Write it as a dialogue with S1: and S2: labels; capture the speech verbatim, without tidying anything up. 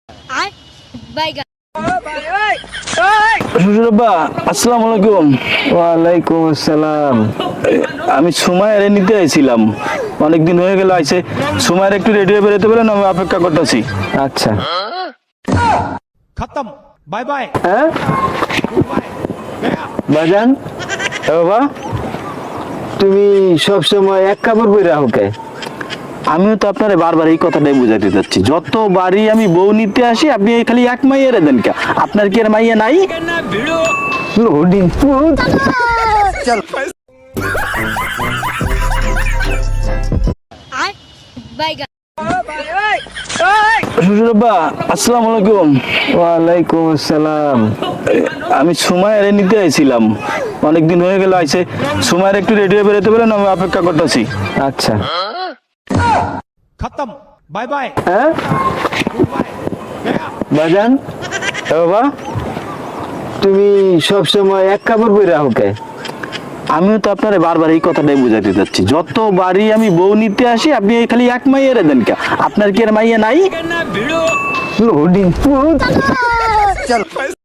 S1: আসসালামু আলাইকুম।
S2: ওয়ালাইকুম আসসালাম।
S1: আমি সুমাইয়ের নিতে আইছিলাম, অনেকদিন হয়ে গেল আইছে। সুমাইয়ের একটু রেডি হয়ে বেরোতে বলেন, আমি অপেক্ষা করতেছি।
S2: আচ্ছা
S3: खत्म बाय बाय।
S2: হ্যাঁ বাজান,
S1: এ বাবা,
S2: তুমি সব সময় এক কাপড় পরে রাখো কে?
S1: আমিও তো আপনার বারবার এই কথাটাই বুঝাতে চাচ্ছি, যতবারই আমি বউ নিতে আসি আপনি এই খালি এক মাইয়া দেন কে? আপনার কি আর মাইয়া নাই?
S2: Loading food.
S1: শ্বশুরব্বা, আসসালামু আলাইকুম।
S2: ওয়ালাইকুম আসসালাম।
S1: আমি সুমাইয়ের নিতে আইছিলাম, অনেকদিন হয়ে গেল আইছে। সুমাইয়ের একটু রেডি হয়ে বেরোতে বলেন, আমি অপেক্ষা করতেছি।
S2: আচ্ছা
S3: खत्म बाय बाय।
S2: হ্যাঁ বাজান,
S1: এ বাবা,
S2: তুমি সব সময় এক কাপড় পরে রাখো কে?
S1: আমিও তো আপনার বারবার এই কথাটাই বুঝাতে চাচ্ছি, যতবারই আমি বউ নিতে আসি আপনি এই খালি এক মাইয়া দেন কে? আপনার কি আর মাইয়া নাই?
S2: Loading food.